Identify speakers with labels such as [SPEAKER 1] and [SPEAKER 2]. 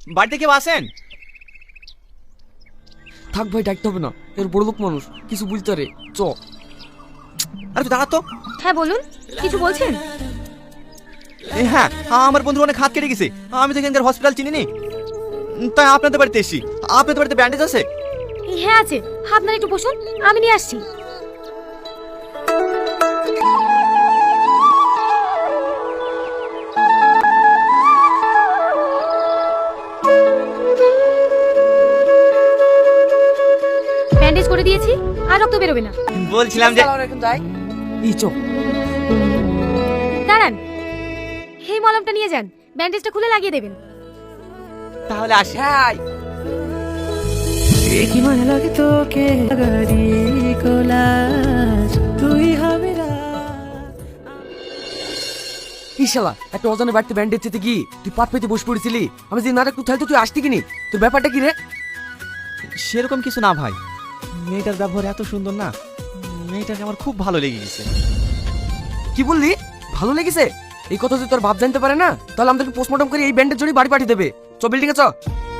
[SPEAKER 1] বাড়িতে কেউ আসেন?
[SPEAKER 2] থাক ভাই, ডাকতে হবে না, এর বড় লোক মানুষ, কিছু বুঝতে রে। চ।
[SPEAKER 1] আরে তুই দাঁড়া তো।
[SPEAKER 3] হ্যাঁ বলুন, কিছু বলছেন?
[SPEAKER 1] হ্যাঁ, আমার বন্ধুর অনেক হাত কেটে গেছে। আমি তো এখানকার হসপিটাল চিনি নি, তাই আপনাদের বাড়িতে এসেছি। আপনাদের বাড়িতে ব্যান্ডেজ আছে?
[SPEAKER 3] হ্যাঁ আছে, আপনারা একটু বসুন, আমি নিয়ে আসছি। ব্যান্ডেজ করে দিয়েছি, আর রক্ত বেরোবে না।
[SPEAKER 1] বলছিলাম যে
[SPEAKER 2] এখন যাই। এই চ।
[SPEAKER 3] দাঁড়ান, এই মলমটা নিয়ে যান, ব্যান্ডেজটা খুলে লাগিয়ে দেবেন।
[SPEAKER 1] তাহলে আসি।
[SPEAKER 2] হ্যাঁ।
[SPEAKER 4] কি মনে লাগে তোকে গাড়ি কোলাজ তুই হবে না।
[SPEAKER 2] এই শালা, একটা অজানা বাড়িতে ব্যান্ডেজ চেতে কি তুই পাট পেতে বসে পড়েছিলি? আমি যে না একটু থাকতে তুই আসতি কিনি? তোর ব্যাপারটা কি রে?
[SPEAKER 1] সেরকম কিছু না ভাই, মেয়েটার ব্যবহার এত সুন্দর না, মেয়েটাকে আমার খুব ভালো লেগে গেছে।
[SPEAKER 2] কি বললি? ভালো লেগেছে? এই কথা যদি তোর বাপ জানতে পারে না, তাহলে আমাদেরকে পোস্টমর্টম করে এই ব্যান্ডের জন্য বাড়ি পাঠিয়ে দেবে। চ বিল্ডিং এ চ।